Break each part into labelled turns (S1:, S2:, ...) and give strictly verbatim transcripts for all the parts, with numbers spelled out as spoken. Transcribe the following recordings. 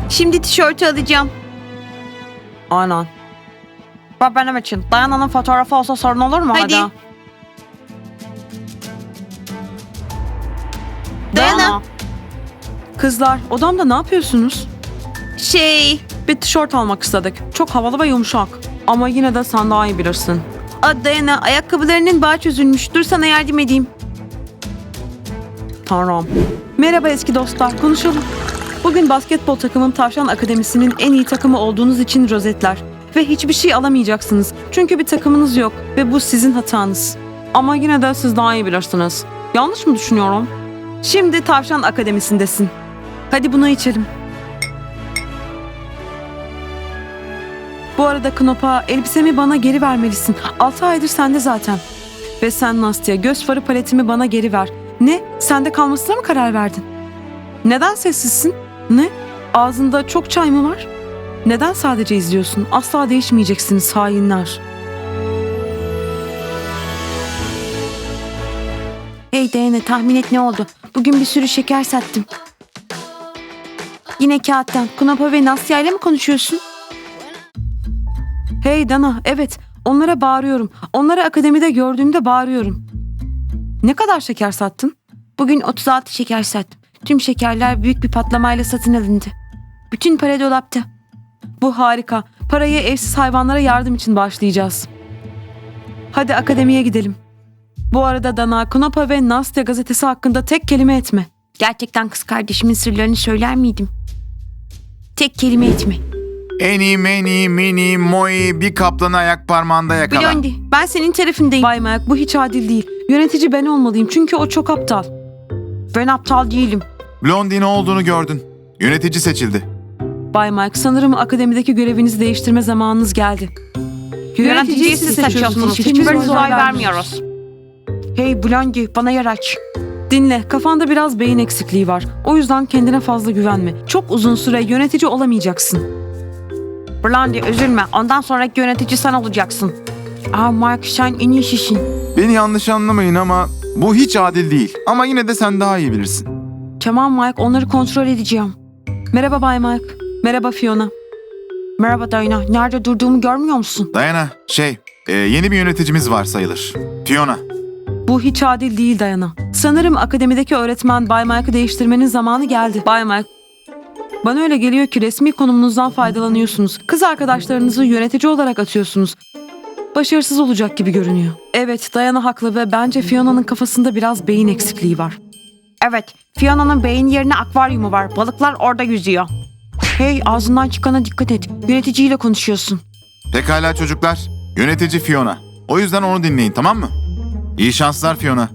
S1: Şimdi tişörtü alacağım.
S2: Aynen. Ve benim için Dayana'nın fotoğrafı olsa sorun olur mu?
S1: Hadi. Dayana.
S2: Kızlar, odamda ne yapıyorsunuz?
S1: Şey...
S2: Bir tişört almak istedik. Çok havalı ve yumuşak. Ama yine de sen daha iyi bilirsin.
S1: Aa, Dayana, ayakkabılarının bağı çözülmüş. Dur sana yardım edeyim.
S2: Tamam. Merhaba eski dostlar, konuşalım. Bugün basketbol takımım Tavşan Akademisi'nin en iyi takımı olduğunuz için rozetler. Ve hiçbir şey alamayacaksınız. Çünkü bir takımınız yok ve bu sizin hatanız. Ama yine de siz daha iyi bilirsiniz. Yanlış mı düşünüyorum? Şimdi Tavşan Akademisi'ndesin. Hadi bunu içelim. Bu arada Knopa, elbisemi bana geri vermelisin. Altı aydır sende zaten. Ve sen Nastya, göz farı paletimi bana geri ver. Ne? Sende kalmasına mı karar verdin? Neden sessizsin? Ne? Ağzında çok çay mı var? Neden sadece izliyorsun? Asla değişmeyeceksiniz hainler.
S1: Hey Dayana, tahmin et ne oldu? Bugün bir sürü şeker sattım. Yine kağıttan. Kunapa ve Nastya ile mi konuşuyorsun?
S2: Hey Dana, evet. Onlara bağırıyorum. Onları akademide gördüğümde bağırıyorum. Ne kadar şeker sattın?
S1: Bugün otuz altı şeker sattım. Tüm şekerler büyük bir patlamayla satın alındı. Bütün para dolapta.
S2: Bu harika. Parayı evsiz hayvanlara yardım için bağışlayacağız. Hadi akademiye gidelim. Bu arada Dana, Knopa ve Nastya gazetesi hakkında tek kelime etme.
S1: Gerçekten kız kardeşimin sırlarını söyler miydim? Tek kelime etme.
S3: Eni, meni, mini, moi, bir kaplanı ayak parmağında yakala.
S1: Blondie, ben senin tarafındayım.
S2: Bay Mike, bu hiç adil değil. Yönetici ben olmalıyım çünkü o çok aptal.
S1: Ben aptal değilim.
S3: Blondie ne olduğunu gördün. Yönetici seçildi.
S2: Bay Mike, sanırım akademideki görevinizi değiştirme zamanınız geldi.
S1: Yöneticiyi siz seçiyorsunuz. Hiçbirimiz oy vermiyoruz. Hey Blondie, bana yer aç.
S2: Dinle, kafanda biraz beyin eksikliği var. O yüzden kendine fazla güvenme. Çok uzun süre yönetici olamayacaksın.
S1: Blondie, üzülme. Ondan sonraki yönetici sen olacaksın. Aa Mark, sen en iyisisin.
S3: Beni yanlış anlamayın ama bu hiç adil değil. Ama yine de sen daha iyi bilirsin.
S2: Tamam Mike, onları kontrol edeceğim. Merhaba Bay Mike. Merhaba Fiona.
S1: Merhaba Dayana. Nerede durduğumu görmüyor musun?
S3: Dayana, şey, e, yeni bir yöneticimiz var sayılır. Fiona.
S2: Bu hiç adil değil Dayana. Sanırım akademideki öğretmen Bay Mike'ı değiştirmenin zamanı geldi. Bay Mike, bana öyle geliyor ki resmi konumunuzdan faydalanıyorsunuz. Kız arkadaşlarınızı yönetici olarak atıyorsunuz. Başarısız olacak gibi görünüyor. Evet, Dayana haklı ve bence Fiona'nın kafasında biraz beyin eksikliği var.
S1: Evet, Fiona'nın beyin yerine akvaryumu var. Balıklar orada yüzüyor. Hey, ağzından çıkana dikkat et. Yöneticiyle konuşuyorsun.
S3: Pekala çocuklar. Yönetici Fiona. O yüzden onu dinleyin, tamam mı? İyi şanslar Fiona.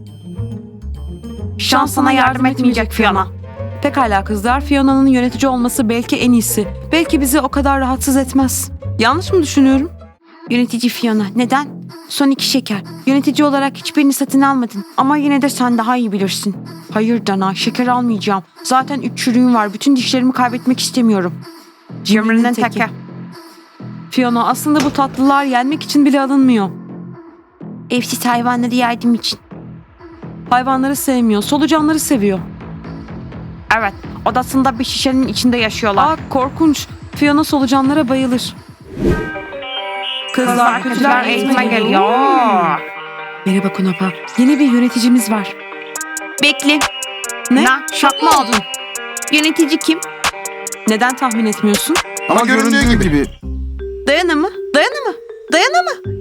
S1: Şans sana yardım etmeyecek Fiona.
S2: Pekala kızlar, Fiona'nın yönetici olması belki en iyisi. Belki bizi o kadar rahatsız etmez. Yanlış mı düşünüyorum?
S1: Yönetici Fiona, neden? Son iki şeker. Yönetici olarak hiçbirini satın almadın. Ama yine de sen daha iyi bilirsin. Hayır Dana, şeker almayacağım. Zaten üç çürüğüm var. Bütün dişlerimi kaybetmek istemiyorum. Cimrinin teki.
S2: Fiona, aslında bu tatlılar yenmek için bile alınmıyor.
S1: Evsiz hayvanları yardım için.
S2: Hayvanları sevmiyor, solucanları seviyor.
S1: Evet, odasında bir şişenin içinde yaşıyorlar.
S2: Aa, korkunç. Fiona solucanlara bayılır. Kızlar, kötüler eğitime geliyor. Merhaba Kunapa. Yeni bir yöneticimiz var.
S1: Bekle.
S2: Ne?
S1: Na, şok mu oldun? Yönetici kim?
S2: Neden tahmin etmiyorsun?
S3: Ama göründüğü gibi.
S2: Dayana mı? Dayana mı? Dayana mı?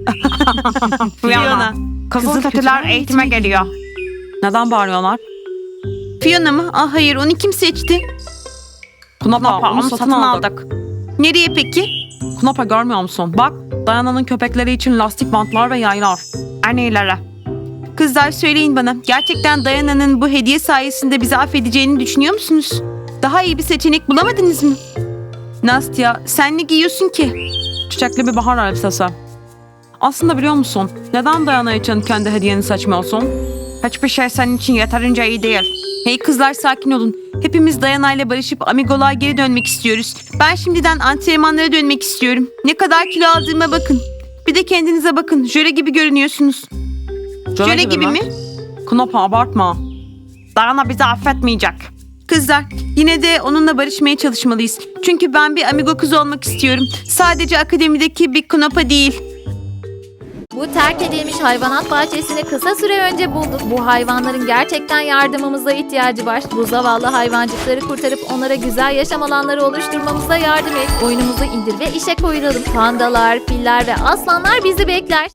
S1: Fiona. Kızıl kötüler eğitime geliyor.
S2: Neden bağırıyorlar?
S1: Fiona mı? Ah hayır, onu kim seçti?
S2: Kunapa, onu satın aldık.
S1: Nereye peki?
S2: Kunapa görmüyor musun? Bak, Dayana'nın köpekleri için lastik bantlar ve yaylar.
S1: Annelere. Kızlar söyleyin bana, gerçekten Dayana'nın bu hediye sayesinde bizi affedeceğini düşünüyor musunuz? Daha iyi bir seçenek bulamadınız mı? Nastya, sen ne giyiyorsun ki?
S2: Çiçekli bir bahar elbisesi. Aslında biliyor musun? Neden Dayana için kendi hediyeni seçmiyorsun?
S1: Hiçbir şey senin için yeterince iyi değil. Hey kızlar, sakin olun. Hepimiz Dayana ile barışıp amigoluğa geri dönmek istiyoruz. Ben şimdiden antrenmanlara dönmek istiyorum. Ne kadar kilo aldığıma bakın. Bir de kendinize bakın. Jöle gibi görünüyorsunuz. Jöle gibi mi?
S2: Kunapa, abartma.
S1: Dayana bizi affetmeyecek. Kızlar, yine de onunla barışmaya çalışmalıyız. Çünkü ben bir amigo kızı olmak istiyorum. Sadece akademideki bir knopa değil.
S4: Bu terk edilmiş hayvanat bahçesini kısa süre önce bulduk. Bu hayvanların gerçekten yardımımıza ihtiyacı var. Bu zavallı hayvancıkları kurtarıp onlara güzel yaşam alanları oluşturmamıza yardım et. Oyunumuzu indir ve işe koyulalım. Pandalar, filler ve aslanlar bizi bekler.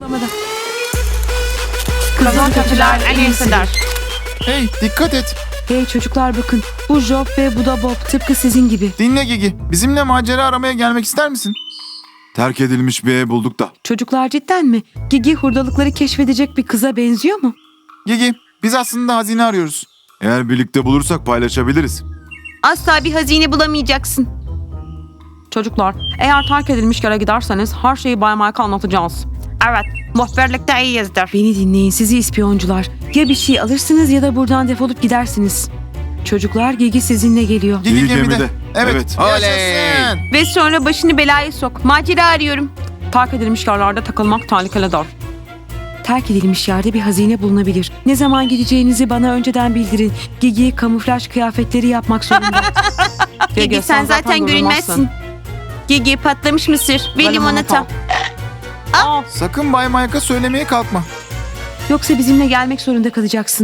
S1: Kızıl kötüler en iyisidir.
S3: Hey, dikkat et.
S2: Hey çocuklar bakın. Bu Job ve bu da Bob tıpkı sizin gibi.
S3: Dinle Gigi. Bizimle macera aramaya gelmek ister misin? Terk edilmiş bir ev bulduk da.
S2: Çocuklar cidden mi? Gigi hurdalıkları keşfedecek bir kıza benziyor mu?
S3: Gigi, biz aslında hazine arıyoruz. Eğer birlikte bulursak paylaşabiliriz.
S1: Asla bir hazine bulamayacaksın.
S2: Çocuklar eğer terk edilmiş yere giderseniz her şeyi Bay Mike'a anlatacağız.
S1: Evet, muhbirlikte iyiyizdir.
S2: Beni dinleyin sizi ispiyoncular. Ya bir şey alırsınız ya da buradan defolup gidersiniz. Çocuklar Gigi sizinle geliyor.
S3: Gigi,
S5: Gigi
S3: gemide.
S5: gemide.
S3: Evet.
S5: Evet.
S3: Yaşasın.
S1: Ve sonra başını belaya sok. Macera arıyorum.
S2: Terk edilmiş yerlerde takılmak tehlikelidir. Terk edilmiş yerde bir hazine bulunabilir. Ne zaman gideceğinizi bana önceden bildirin. Gigi kamuflaj kıyafetleri yapmak zorunda.
S1: Gigi sen zaten görünmezsin. Gigi patlamış mısır ve limonata.
S3: Sakın Bay Mike'a söylemeye kalkma.
S2: Yoksa bizimle gelmek zorunda kalacaksın.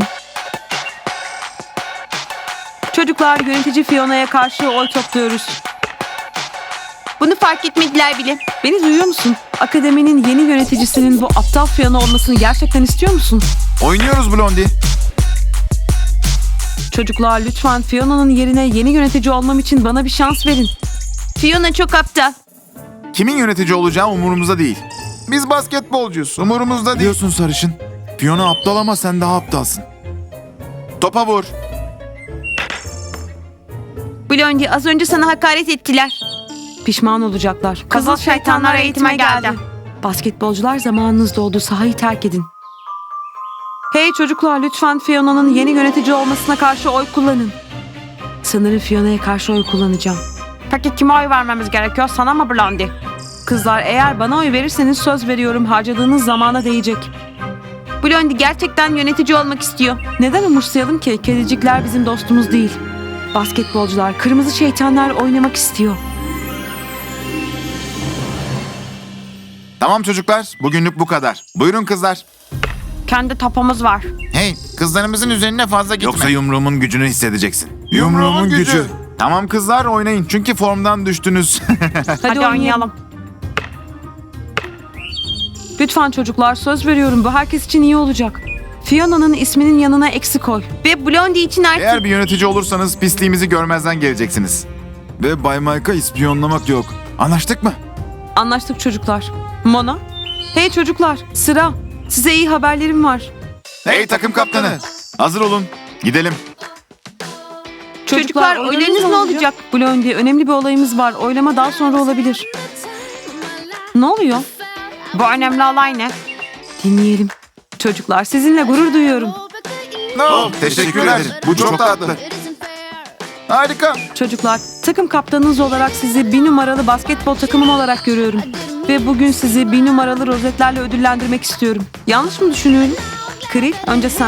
S2: Çocuklar yönetici Fiona'ya karşı oy topluyoruz.
S1: Bunu fark etmediler bile.
S2: Beni duyuyor musun? Akademinin yeni yöneticisinin bu aptal Fiona olmasını gerçekten istiyor musun?
S3: Oynuyoruz Blondie.
S2: Çocuklar lütfen Fiona'nın yerine yeni yönetici olmam için bana bir şans verin.
S1: Fiona çok aptal.
S3: Kimin yönetici olacağı umurumuzda değil. Biz basketbolcuyuz. Umurumuzda değil. Diyorsun sarışın. Fiona aptal ama sen daha aptalsın. Topa vur.
S1: Blondie az önce sana hakaret ettiler.
S2: Pişman olacaklar.
S1: Kızıl şeytanlar eğitime geldi.
S2: Basketbolcular zamanınız doldu. Sahayı terk edin. Hey çocuklar lütfen Fiona'nın yeni yönetici olmasına karşı oy kullanın. Sanırım Fiona'ya karşı oy kullanacağım.
S1: Peki kime oy vermemiz gerekiyor? Sana mı Blondie?
S2: Kızlar eğer bana oy verirseniz söz veriyorum harcadığınız zamana değecek.
S1: Blondie gerçekten yönetici olmak istiyor.
S2: Neden umursayalım ki? Kedicikler bizim dostumuz değil. Basketbolcular, kırmızı şeytanlar oynamak istiyor.
S3: Tamam çocuklar. Bugünlük bu kadar. Buyurun kızlar.
S1: Kendi topumuz var.
S3: Hey, kızlarımızın üzerine fazla gitme. Yoksa yumruğumun gücünü hissedeceksin.
S5: Yumruğumun gücü.
S3: Tamam kızlar oynayın çünkü formdan düştünüz.
S1: Hadi, oynayalım.
S2: Lütfen çocuklar söz veriyorum bu herkes için iyi olacak. Fiona'nın isminin yanına eksi koy.
S1: Ve Blondie için artık...
S3: Eğer bir yönetici olursanız pisliğimizi görmezden geleceksiniz. Ve Bay Mike'a ispiyonlamak yok. Anlaştık mı?
S2: Anlaştık çocuklar. Mona? Hey çocuklar sıra. Size iyi haberlerim var.
S3: Hey takım kaptanı. Hazır olun. Gidelim.
S1: Çocuklar, oylarınız ne olacak?
S2: Blondie önemli bir olayımız var. Oylama daha sonra olabilir. Ne oluyor?
S1: Bu önemli olay ne?
S2: Dinleyelim. Çocuklar sizinle gurur duyuyorum.
S3: Oh, teşekkürler. Bu çok tatlı. Harika.
S2: Çocuklar takım kaptanınız olarak sizi bir numaralı basketbol takımım olarak görüyorum. Ve bugün sizi bir numaralı rozetlerle ödüllendirmek istiyorum. Yanlış mı düşünüyorum? Kril önce sen.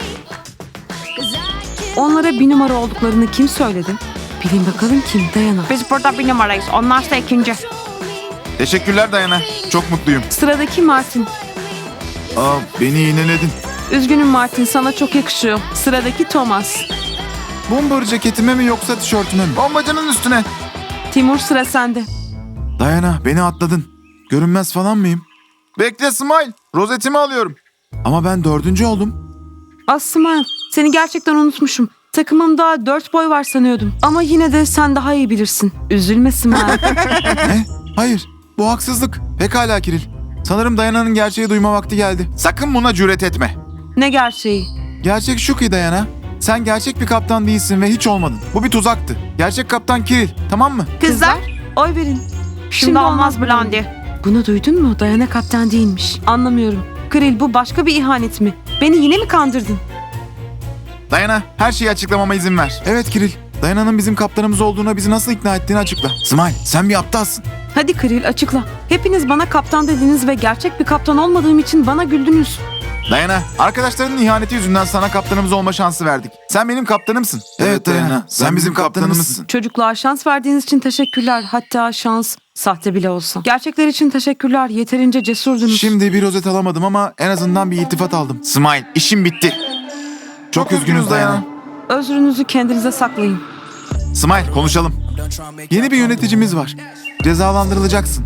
S2: Onlara bir numara olduklarını kim söyledi? Bilin bakalım kim? Dayana.
S1: Biz burada bir numarayız. Onlar da ikinci.
S3: Teşekkürler Dayana. Çok mutluyum.
S2: Sıradaki Martin.
S3: Aa, beni iğneledin.
S2: Üzgünüm Martin sana çok yakışıyor. Sıradaki Thomas.
S3: Bomber ceketime mi yoksa tişörtüme mi? Bombacının üstüne.
S2: Timur sıra sende.
S3: Dayana beni atladın. Görünmez falan mıyım? Bekle Smile. Rozetimi alıyorum. Ama ben dördüncü oldum.
S2: Asma seni gerçekten unutmuşum. Takımımda dört boy var sanıyordum. Ama yine de sen daha iyi bilirsin. Üzülme Smile.
S3: Ne? Hayır. Bu haksızlık. Pekala Kiril. Sanırım Dayana'nın gerçeği duyma vakti geldi. Sakın buna cüret etme.
S2: Ne gerçeği?
S3: Gerçek şu ki Dayana. Sen gerçek bir kaptan değilsin ve hiç olmadın. Bu bir tuzaktı. Gerçek kaptan Kiril. Tamam mı?
S1: Kızlar,
S2: Oy verin.
S1: şimdi olmaz Blondie.
S2: Bunu duydun mu? Dayana kaptan değilmiş. Anlamıyorum. Kril bu başka bir ihanet mi? Beni yine mi kandırdın?
S3: Dayana her şeyi açıklamama izin ver. Evet Kiril. Dayana'nın bizim kaptanımız olduğuna bizi nasıl ikna ettiğini açıkla. Smile sen bir aptalsın.
S2: Hadi Kril açıkla. Hepiniz bana kaptan dediniz ve gerçek bir kaptan olmadığım için bana güldünüz.
S3: Dayana arkadaşlarının ihaneti yüzünden sana kaptanımız olma şansı verdik. Sen benim kaptanımsın. Evet Dayana, sen bizim kaptanımızsın.
S2: Çocuklar şans verdiğiniz için teşekkürler. Hatta şans sahte bile olsa. Gerçekler için teşekkürler. Yeterince cesurdunuz.
S3: Şimdi bir rozet alamadım ama en azından bir iltifat aldım. Smile, işim bitti. Çok üzgünüz Dayana.
S2: Özrünüzü kendinize saklayın.
S3: Smile, konuşalım. Yeni bir yöneticimiz var. Cezalandırılacaksın.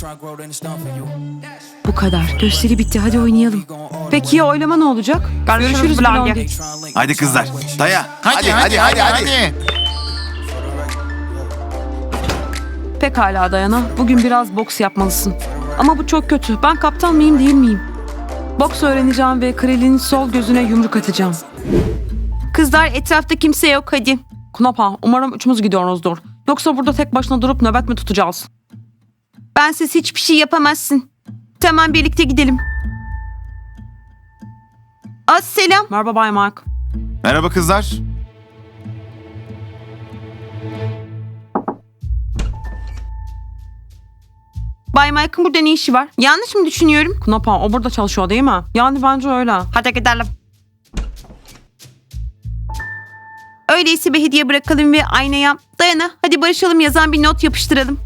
S2: Bu kadar. Gösteri bitti. Hadi oynayalım. Peki ya oylama ne olacak? Görüşürüz Blondie.
S3: Hadi kızlar, daya. Hadi, hadi, hadi, hadi.
S2: Pekala Dayana. Bugün biraz boks yapmalısın. Ama bu çok kötü. Ben kaptan mıyım değil miyim? Boks öğreneceğim ve Krill'in sol gözüne yumruk atacağım.
S1: Kızlar etrafta kimse yok hadi.
S2: Knopa, umarım üçümüz gidiyoruzdur. Yoksa burada tek başına durup nöbet mi tutacağız?
S1: Bensiz hiçbir şey yapamazsın. Tamam birlikte gidelim. Az selam.
S2: Merhaba Bay Mark.
S3: Merhaba kızlar.
S1: Bay Mike'ın burada ne işi var? Yanlış mı düşünüyorum?
S2: Knopa, o burada çalışıyor değil mi? Yani bence öyle.
S1: Hadi gidelim. Öyleyse bir hediye bırakalım ve aynaya Dayana hadi barışalım yazan bir not yapıştıralım.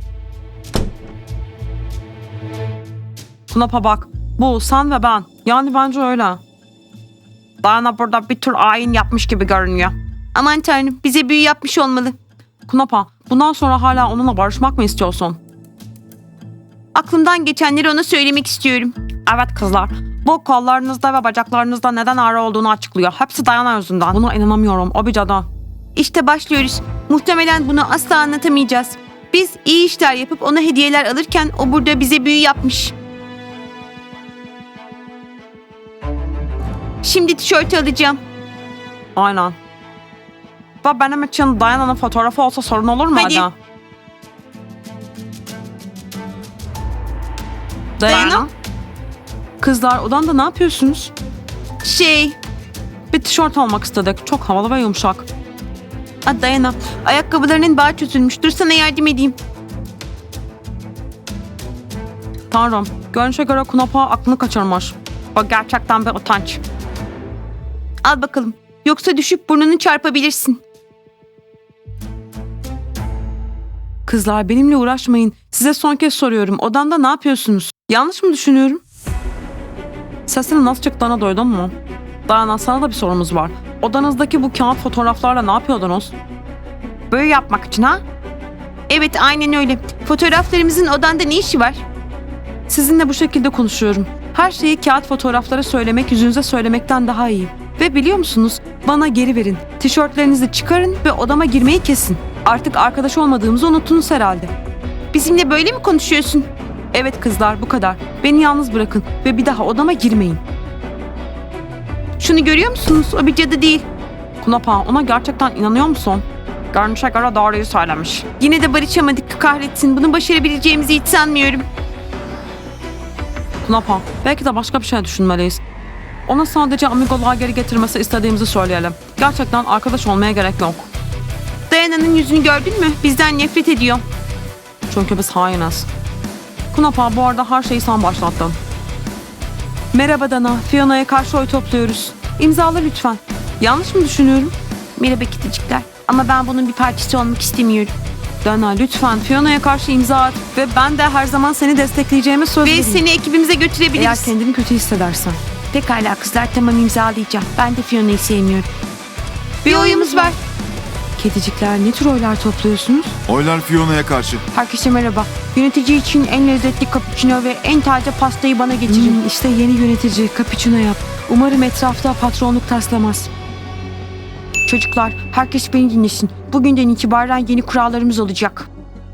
S2: Knopa bak, bu sen ve ben. Yani bence öyle. Dayana burada bir tür ayin yapmış gibi görünüyor.
S1: Aman tanrım bize büyü yapmış olmalı.
S2: Knopa, bundan sonra hala onunla barışmak mı istiyorsun?
S1: Aklımdan geçenleri ona söylemek istiyorum.
S2: Evet kızlar. Bu kollarınızda ve bacaklarınızda neden ağrı olduğunu açıklıyor. Hepsi Dayana yüzünden. Buna inanamıyorum. O bir cadı.
S1: İşte başlıyoruz. Muhtemelen bunu asla anlatamayacağız. Biz iyi işler yapıp ona hediyeler alırken o burada bize büyü yapmış. Şimdi tişörtü alacağım.
S2: Aynen. Ve benim için Dayana'nın fotoğrafı olsa sorun olur mu
S1: Hadi.
S2: Ada?
S1: Dayana?
S2: Kızlar odanda ne yapıyorsunuz?
S1: Şey,
S2: Bir tişört almak istedik. Çok havalı ve yumuşak.
S1: a, Dayana ayakkabılarının bağı çözülmüş. Dur sana yardım edeyim.
S2: Tanrım. Görünüşe göre Knopa aklını kaçırmış. O gerçekten bir utanç.
S1: Al bakalım. Yoksa düşüp burnunu çarpabilirsin.
S2: Kızlar benimle uğraşmayın. Size son kez soruyorum. Odanda ne yapıyorsunuz? Yanlış mı düşünüyorum? Sesini nasıl çıktığına duydun mu? Dayana sana da bir sorumuz var. Odanızdaki bu kağıt fotoğraflarla ne yapıyordunuz?
S1: Böyle yapmak için ha? Evet aynen öyle. Fotoğraflarımızın odanda ne işi var?
S2: Sizinle bu şekilde konuşuyorum. Her şeyi kağıt fotoğraflara söylemek yüzünüze söylemekten daha iyi. Ve biliyor musunuz? Bana geri verin. Tişörtlerinizi çıkarın ve odama girmeyi kesin. Artık arkadaş olmadığımızı unuttunuz herhalde.
S1: Bizimle böyle mi konuşuyorsun?
S2: Evet kızlar bu kadar. Beni yalnız bırakın ve bir daha odama girmeyin.
S1: Şunu görüyor musunuz? O bir cadı değil.
S2: Knopa ona gerçekten inanıyor musun? Görünüşe göre doğruyu söylemiş.
S1: Yine de barışamadık kahretsin. Bunu başarabileceğimizi hiç sanmıyorum.
S2: Knopa belki de başka bir şey düşünmeliyiz. Ona sadece amigoluğa geri getirmesi istediğimizi söyleyelim. Gerçekten arkadaş olmaya gerek yok.
S1: Dayana'nın yüzünü gördün mü? Bizden nefret ediyor.
S2: Çünkü biz hainiz. Knopa bu arada her şeyi sen başlattın. Merhaba Dana. Fiona'ya karşı oy topluyoruz. İmzala lütfen. Yanlış mı düşünüyorum?
S1: Merhaba kiticikler. Ama ben bunun bir parçası olmak istemiyorum.
S2: Dana lütfen Fiona'ya karşı imza at. Ve ben de her zaman seni destekleyeceğime söz
S1: Ve
S2: vereyim.
S1: seni ekibimize
S2: Eğer
S1: götürebiliriz.
S2: kendini kötü hissedersen.
S1: Pekala kızlar tamam imzalayacağım. Ben de Fiona'yı sevmiyorum. Bir oyumuz var.
S2: Kedicikler ne tür oylar topluyorsunuz?
S3: Oylar Fiona'ya karşı.
S1: Herkese merhaba. Yönetici için en lezzetli cappuccino ve en taze pastayı bana getirin.
S2: Hmm, işte yeni yönetici cappuccino yap. Umarım etrafta patronluk taslamaz.
S1: Çocuklar herkes beni dinlesin. Bugünden itibaren yeni kurallarımız olacak.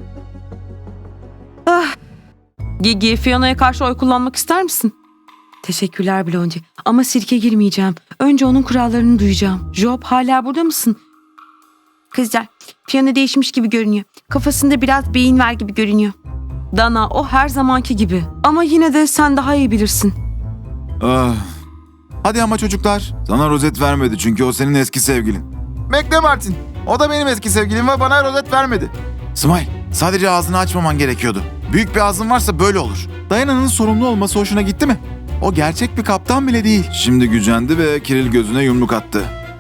S2: Gigi, Fiona'ya karşı oy kullanmak ister misin? Teşekkürler Blondie. Ama sirke girmeyeceğim. Önce onun kurallarını duyacağım. Job hala burada mısın?
S1: Kızlar Fiona değişmiş gibi görünüyor. Kafasında biraz beyin var gibi görünüyor.
S2: Dana o her zamanki gibi. Ama yine de sen daha iyi bilirsin.
S3: Ah. Hadi ama çocuklar. Sana rozet vermedi çünkü o senin eski sevgilin. Bekle Martin. O da benim eski sevgilim ve bana rozet vermedi. Smile, sadece ağzını açmaman gerekiyordu. Büyük bir ağzın varsa böyle olur. Dayana'nın sorumlu olması hoşuna gitti mi? O gerçek bir kaptan bile değil. Şimdi gücendi ve Kiril gözüne yumruk attı.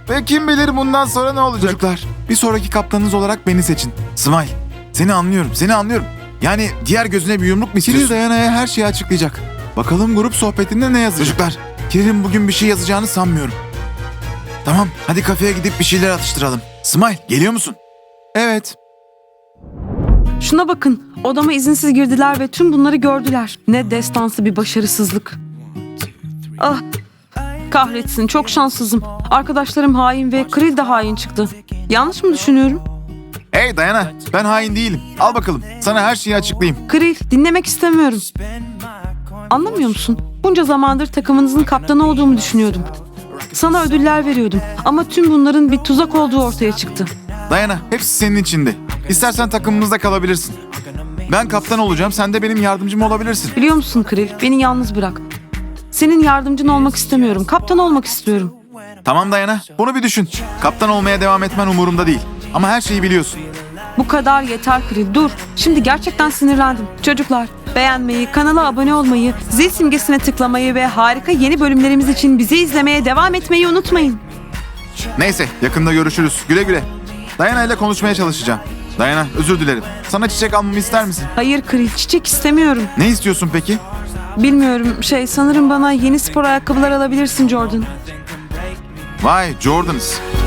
S3: Ve kim bilir bundan sonra ne olacak? Çocuklar, bir sonraki kaptanınız olarak beni seçin. Smile, seni anlıyorum, seni anlıyorum. Yani diğer gözüne bir yumruk mu istiyorsun? Kiril Dayana'ya her şeyi açıklayacak. Bakalım grup sohbetinde ne yazacak? Çocuklar, Kiril'in bugün bir şey yazacağını sanmıyorum. Tamam, hadi kafeye gidip bir şeyler atıştıralım. Smile, geliyor musun? Evet.
S2: Şuna bakın. Odama izinsiz girdiler ve tüm bunları gördüler. Ne destansı bir başarısızlık. Ah, kahretsin, çok şanssızım. Arkadaşlarım hain ve Krill de hain çıktı. Yanlış mı düşünüyorum?
S3: Hey Dayana, ben hain değilim. Al bakalım, sana her şeyi açıklayayım.
S2: Krill, dinlemek istemiyorum. Anlamıyor musun? Bunca zamandır takımınızın kaptanı olduğumu düşünüyordum. Sana ödüller veriyordum ama tüm bunların bir tuzak olduğu ortaya çıktı.
S3: Dayana, hepsi senin içinde. İstersen takımımızda kalabilirsin. Ben kaptan olacağım, sen de benim yardımcım olabilirsin.
S2: Biliyor musun Krill, beni yalnız bırak. Senin yardımcın olmak istemiyorum, kaptan olmak istiyorum.
S3: Tamam Dayana, bunu bir düşün. Kaptan olmaya devam etmen umurumda değil. Ama her şeyi biliyorsun.
S2: Bu kadar yeter Krill, dur. Şimdi gerçekten sinirlendim. Çocuklar, beğenmeyi, kanala abone olmayı, zil simgesine tıklamayı ve harika yeni bölümlerimiz için bizi izlemeye devam etmeyi unutmayın.
S3: Neyse, yakında görüşürüz. Güle güle. Dayana ile konuşmaya çalışacağım. Dayana, özür dilerim. Sana çiçek almamı ister misin?
S2: Hayır Krill, çiçek istemiyorum.
S3: Ne istiyorsun peki?
S2: Bilmiyorum, şey sanırım bana yeni spor ayakkabılar alabilirsin Jordan.
S3: Vay, Jordans.